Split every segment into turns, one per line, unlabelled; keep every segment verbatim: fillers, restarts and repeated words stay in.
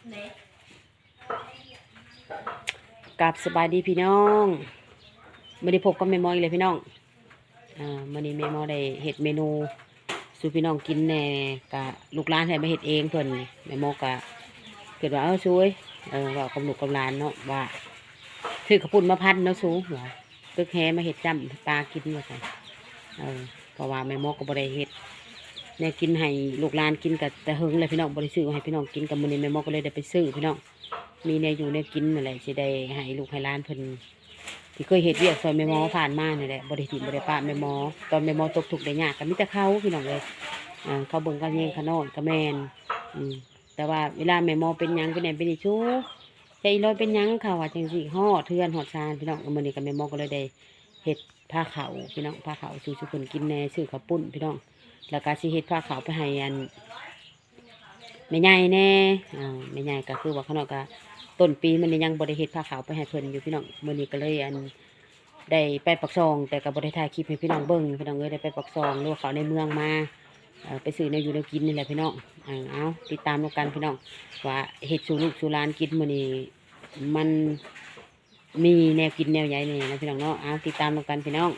กับสบายดีพี่น้องไม่ได้พบกับแม่มออีกเลยพี่น้องอ่ามื่อนี้แม่มอได้เฮ็ดเมนูสู่พี่น้องกินแน่กะลูกหลานให้มาเฮ็ดเองเพิ่นแม่มอกะเกิดว่าเอ้าช่วยเออว่ากับลูกกับหลานเนาะว่าถือข้าวปุ้นมาพันเนาะสู้ว่าตึกแฮมาเฮ็ดจ้ำปลากินว่าซั่นเออเพราะว่าแม่มอก็บ่ได้เฮ็ดแนวกินให้ลูกหลานกินกับแต่เฮิงเลยพี่น้องบ่ได้ซื้อให้พี่น้องกินกับมื้อนี้แม่มอก็เลยได้ไปซื้อพี่น้องมีแนวอยู่แนวกินนั่นแหละสิได้ให้ลูกให้หลานเพิ่นที่เคยเฮ็ดเวียกซอยแม่มอผ่านมานี่แหละบ่ได้ถิ่มบ่ได้ป้าแม่มอตอนแม่มอตกทุกข์ได้ยากก็มีแต่เขาพี่น้องเลยอ่าเขาเบิ่งกันแยงขนอนก็แม่นอืมแต่ว่าเวลาแม่มอเป็นหยังเป็นแหนเป็นอีชูใจลอยเป็นหยังเขาว่าจังซี่ฮอดเทือนฮอดซานพี่น้องมื้อนี้ก็แม่มอก็เลยได้เฮ็ดผ้าขาวพี่น้องผ้าขาวสู่ทุกคนกินแน่ซื้อข้าวปุ้นพี่น้องแล้วก็สิเฮ็ดผ้าขาวไปให้อันแม่ใหญ่แน่อ่าแม่ใหญ่ก็คือว่าเขาเนาะก็ต้นปีมันยังบ่ได้เฮ็ดผ้าขาวไปให้เพิ่นอยู่พี่น้องมื้อนี้ก็เลยอันได้ไปปักซองแต่ก็บ่ได้ถ่ายคลิปให้พี่น้องเบิ่งพี่น้องเอ้ยได้ไปปักซองหรือว่าเขาในเมืองมาเอ่อไปซื้อแนวอยู่แนวกินนี่แหละพี่น้องเออเอาติดตามกันพี่น้องว่าเฮ็ดสู่ลูกสู่หลานกินมื้อนี้มันมีแนวกินแนวใหญ่นี่นะพี่น้องเนาะเอาติดตามกันพี่น้อง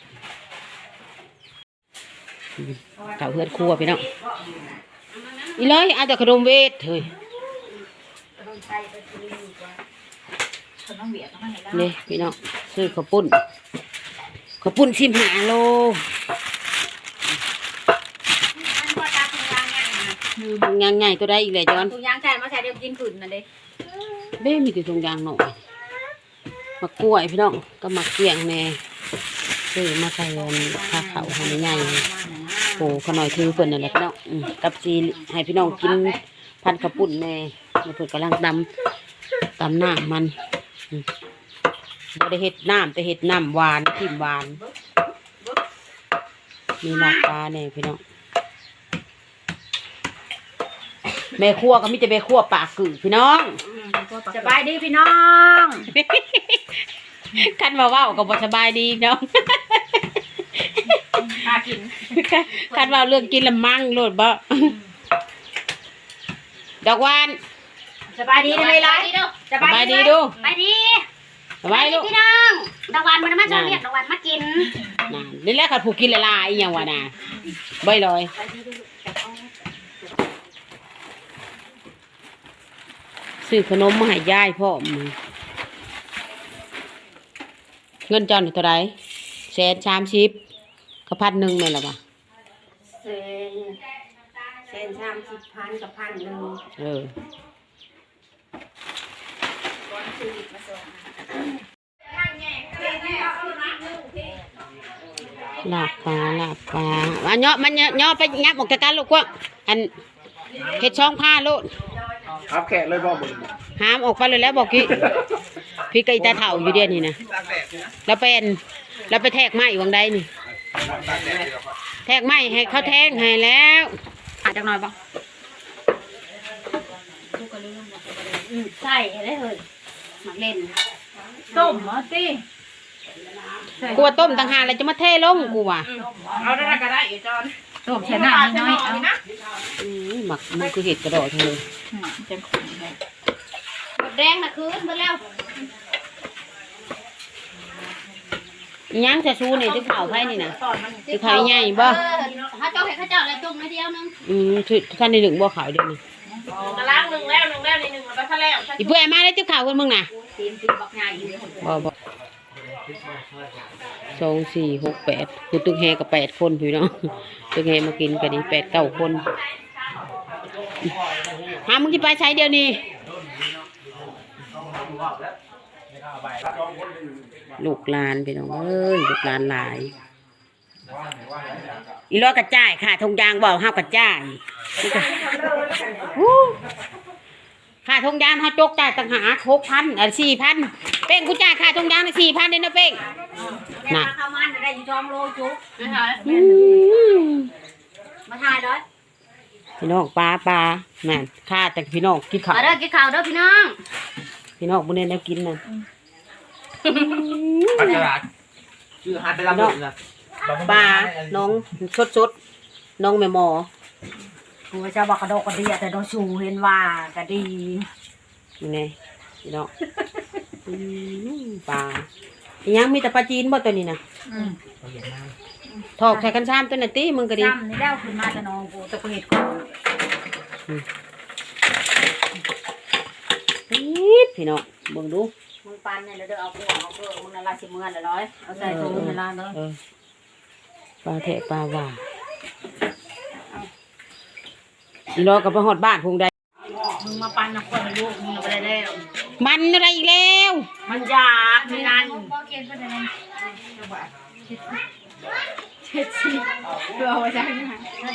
ข้าวเฮือดครัวพี่น้องอีเลยเอาแต่ขนมเวทเฮ้ยนี่พี่น้องซื้อข้าวปุ้นข้าวปุ้นสิบห้าโลยางใหญ่ตัวได้อีกเลยจอน
ถุงยางใช่มาใช้เดี๋ยวกินขืนน่ะเด้
เบ้มีแต่ถุงยางหน่อยมะกล้วยพี่น้องก็มะเกียงแน่ซื้อมาใส่ผ้าขาวให้ใหญ่โอ้ขน่อยถือเพิ่นนั่นแหละพี่น้องกับซีให้พี่น้องกินพันข้าวปุ้นแน่เพิ่นกำลังตำตำหน้ามันบ่ได้เฮ็ดน้ำแต่เฮ็ดน้ำหวานทิมหวานมีลาบปลาเนี่ยพี่น้องแม่ครัวก็มีแต่แม่ครัวปากกือพี่น้อง
สบายดีพี่น้อง
คันมาเว้าก็บ่สบายดีน้อง
พากิน
คันว่าเรื่องกินละมั่งโลดบ่ดอกหวาน
สบายดีได้ไหมล่ะ
สบายดีดู
สบายดี
สบายลูก
พี่น้องดอกหวานมันมาชอบเรียกดอกหวานมากิน
นั่นนี่แหละคันผู้กินละลายอีหยังวะน่ะบ่ลอยซื้อขนมมาให้ยายพ่อเงินจอนเท่าไรแสนสามสิบกับพันหนึ่งแม่นหรอปะ
เซนเซนสามสิบพันกับพันหนึ่ง
เออลาบปลาลาบปลาอันเนาะมันเนาะไปงับออกจากกันลูกว่าอันเห็ดช่องผ้าลูก
ครับแขกเลยบอกมึง
ห้ามออกไปเลยแล้วบอกกี้พี่ไก่ตาเถ่าอยู่เดียนี่นะแล้วเป็นแล้วไปแทกไม้วังใดนี่แทกไม้ให้เขาแทงให้แล้ว
อาจจะหน่อยบ้างใส่ได้เลยหมักเล่นต้มมาสิ
กูว่าต้มต่างหากแล้วจะมาเทลงกูว่ะ
เอาได้ก็ได้อยู่จอนต้มใส่น้ำน้อยเอา
หมักมันคือเห็ดกระโดดเลย
จังขุ่นเลยแดงนะคืนไปแล้ว
ยังจะชูนี่ที่เผาไผ่นี่นะที่ไผ่ใหญ่บ่
ถ้าเจ้าเห็นข้าเจ้าอะไรจุ่มไม่เดียวนึง
อืมท่านในหนึ่งบ่ขาวเดียวนึง
กระล้างหนึ่งแล้วหนึ่งแล้วในหนึ่งแล้วก็แล้ว
อีเพื่อมาได้ที่ขาวกันมึงน่ะบ่บ่สองสี่หกแปดคือตึกแฮกับแปดคนพี่น้องตึกแฮมากินกันนี่แปดเก้าคนหามึงที่ไปใช้เดียวนี้ลูกหลานพี่น้องเอ้ยลูกหลานหลายอีร้อยกระจ่ายค่ะทงยางบอกห้ากระจ่ายค่าทงยางเขาจกจ่ายต่างหากหกพันอ่ะสี่พันเป้งกูจ่ายค่าทงยางสี่พันเด้นะเป้ง
น่ะข้าวมันได้อยู่จอมโลจุ๊บมาถ่ายด้วย
พี่น้องปลาปลาแม่ค่าแต่พี่น้องกินข้าว
เด้อกินข้าวเด้อพี่น้อง
พี่น้องบุญเนแล้วกินน่ะ
ปัจจุบันชื่อฮันไปรับลูกนะ
ปลาน้องสดสดน้องแม่หมอ
ผัวจะบอกกระโดดกระเดียแต่โดนชูเห็นว่าก็ดี
ยังไงพี่น้องอืมปลาอีหยังมีแต่ปลาจีนบ่ตัวนี้นะ
อืม
ถอกใส่กันซ้ำตัวน่ะติมึงก็ดี
จำนี่แล้วขึ้นมาจะนองกูตะเห็ดก่อน
ปี๊ดพี่น้องเบิ่งดู
มึงปันเนี่ยแล้วเดี๋ยวเอากูเอาเพื่อมึงนั่นละสิเมื่อละร้อยเอาใส่ถุงเวลาเนาะ
เออปลาแทะปลาหว่าอีรอกับไปฮอดบ้านพุงใด
มึงมาปันนะคนลูกมึงเอาไปได้แล้ว
มันอะไรอีกแล้ว
มันยากนี่นั่นเจ็ดสิบเพื่อเอาไว้ได้ไหม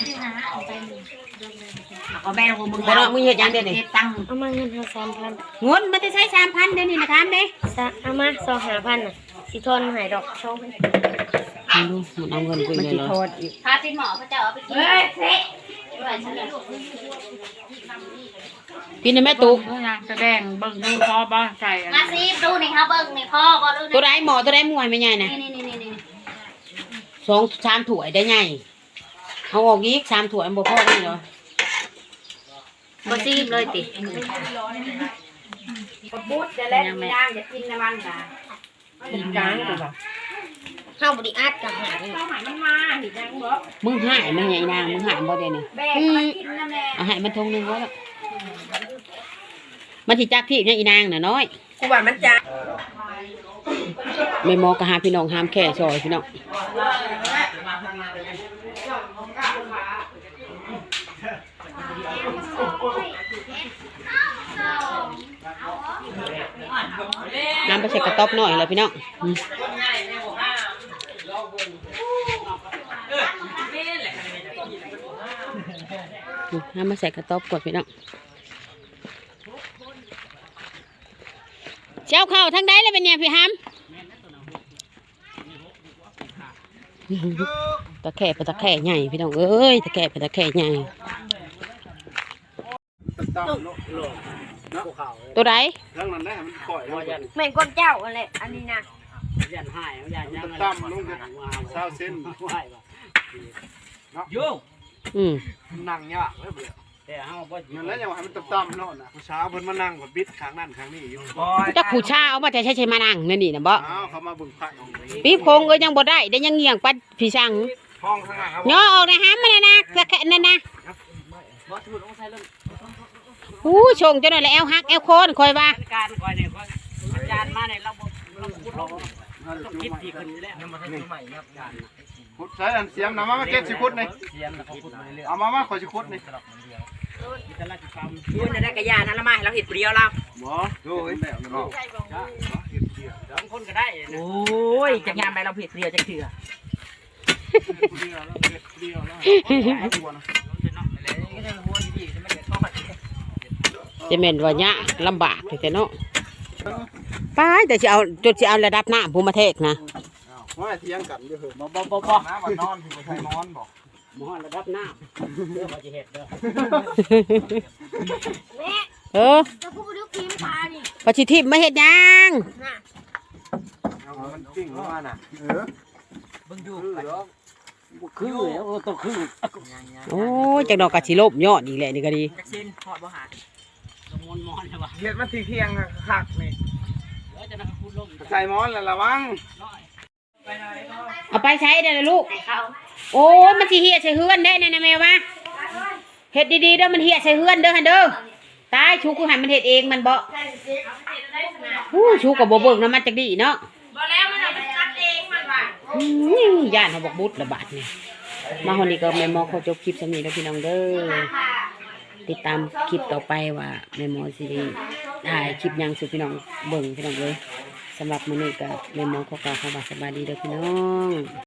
เอาแม่ของมึง
บ่เนาะมึงเฮ็ดหยังเด้นี่
เก็บตังค์
เอามาเงินเฮาสามพัน
เงินมันจะใช้สามพันเดี๋ยวนี้นะถามเด้
ซะเอามาสองห้าพันน่ะสิทนหายดอกสองพัน
มึงดูมันเอาเงินกู
มัน
เลย
สิ
เหรอ
โทษอีก
พาติหมอพระเจ้าเอาไปกิน
เฮ้ยเซ็
กินในแม่ตุก
แสดงเบิ่งดูพอบ้าใจ
มาซีดูนี่ค่ะเบิ่งนี่พ่อบ่ดู
ตัวใดหมอตัวใดมวยไม่ใหญ่นะ
นี่นี่นี่นี่
สองสามถ้วยได้ใหญ่เอาออกอีกสามถ้วยมันบ่พอนี่เหรอ
บ่ซีบเลยติ
ปุ๊ดจะเล่นย่างจะกินน้ำมันค่ะกินจางกูบอก
เฮาบ่ได้อัดกับหานี่
ข้าวหายมันมาเห็นยังบ่
มึงหายมันใหญ่นางมึงหายบ่ได้นี่
แบกมากินน้ำแน่
เอาให้มันทงหนึงไว้แล้วมันสิจักที่เนี่ยอีนางน่ะน้อย
กูว่ามันจาง
แม่หมอก็หาพี่น้องหามแค่ซอยพี่น้องน้ำไปใส่กระต๊อบหน่อยแล้วพี่น้องอืมน้ำมาใส่กระต๊อบก่อนพี่น้องเจ้าเข้าทางใดเลยเป็นเนี่ยพี่ฮัมตะแคร่ไปตะแคร่ใหญ่พี่น้องเอ้ยตะแคร่ไปตะแคร่ใหญ่ตัวใด
ทั้งนั้นได้มันก่อยลงยัน
แม่งก้นเจ้าอะไรอันนี้นะ
ยันหายยันยังตั้มลงจะเศร้าเส้น
โย่
Ừ.
อืม
นั่งยากเลยเบื่อ
แต่เฮาบ่
นั่นแล้วยังให้มันตั้มๆเนาะนะผู้สาวเพิ่นมานั่งกับบิดข้างนั่นข้างนี้อยู่
บ่
จักผู้ชาเอามาแต่ใช้ใช้มานั่งนั่นนี่นะบ่
อ้าวเขามาเบิ่งพระของนี้
ปีบโคงก็ยังบ่ได้ได้ยังเงียงปัดพี่ช่าง
ห้องข้างหน้าครับ
ย่อออกนะฮะมันนะนะตะแคร่นั่นนะ
บ่สมุดต้องใช้เรื่อง
อู้ชงจังได๋แล้วแอวฮักแอวโคนคอยว่า
การก่อนเนี่ยก็อาจารย์มาเนี่ยเราบ่เราพูดเราต้องคิดดีขึ้นอยู่แล้วยังบ่ทันใหม่ครับอาจารย์
ขุดใส่อันเสียมนะมามาเก็บสิขุดนี่
เสียมแล้วเขาพูดมาเรื่อย
เอามามาขอสิขุดนี่
ๆตลอดคนเดียวมีแต่ราชกรรม
พูดได้กระยานั่นละมาเราเห็ดเปรี้ยวเรา
บ่โอ้ยแบบนั้นเนาะ
สองคนก็ได้นะ
โอ้ยจะงานไปเราเผ็ดเปรี้ยวจะเถื่อ
เดียวแล้วเดียวแล้ว
จะแม่นว่าเนี่ยลำบากแต่เนาะไปแต่สิเอาจดสิเอาระดับน้ำภูมิเทศนะ
ว่าเถียงกันอยู่เหรอ
บ่บ่บ่บ่
น้ำมันนอนสิบ่ใช่นอนบ่
หมอระดับน้ำเด้อบ่สิเฮ็ดเด้อ
เออ
จะพูดดูครีมปลานี่
ปฏิทินมาเฮ็ดหยัง
น่ะ
เอามันปิ้งลงมาน่ะเออ
เบิ่งอยู่
คือเหรอ
คือแล้วต้องคือ
โอ้ยจักดอกกะสิลบยอดอีกแหละนี่ก็ดี
จะชินพอบ่หา
ต้องมอนมอนใช่ป่ะ
เฮ็ดมันเที่ยงๆคักนี่
เดี๋ยวจะนักพูดลม
ใส่หมอนแล้วระวัง
เอาไปใช้ได้เลยลูกโอ้ยมันสิเหี่ยใส่เฮือนได้แน่นะแม่วะเฮ็ดดีๆเด้อมันเหี่ยใส่เฮือนเด้อหั่นเด้อตายชูกูให้มันเฮ็ดเองมันบ่ฮู้ชูก็บ่เบิ่งนำมันจักดีเนาะ
บ่แล้วมันเอาไปตัดเองมันว่า
อืมย่านเขาบอกบุตรระบาดนี่มาคนนี้ก็แม่หมอเขาจบคลิปสำนี้แล้วพี่น้องเด้อติดตามคลิปต่อไปว่าแม่หมอสิได้ถ่ายคลิปหยังสู่พี่น้องเบิ่งพี่น้องเลยสำหรับมื้อนี้ก็แม่หมอเขากล่าวคำว่าสบายดีเด้อพี่น้อง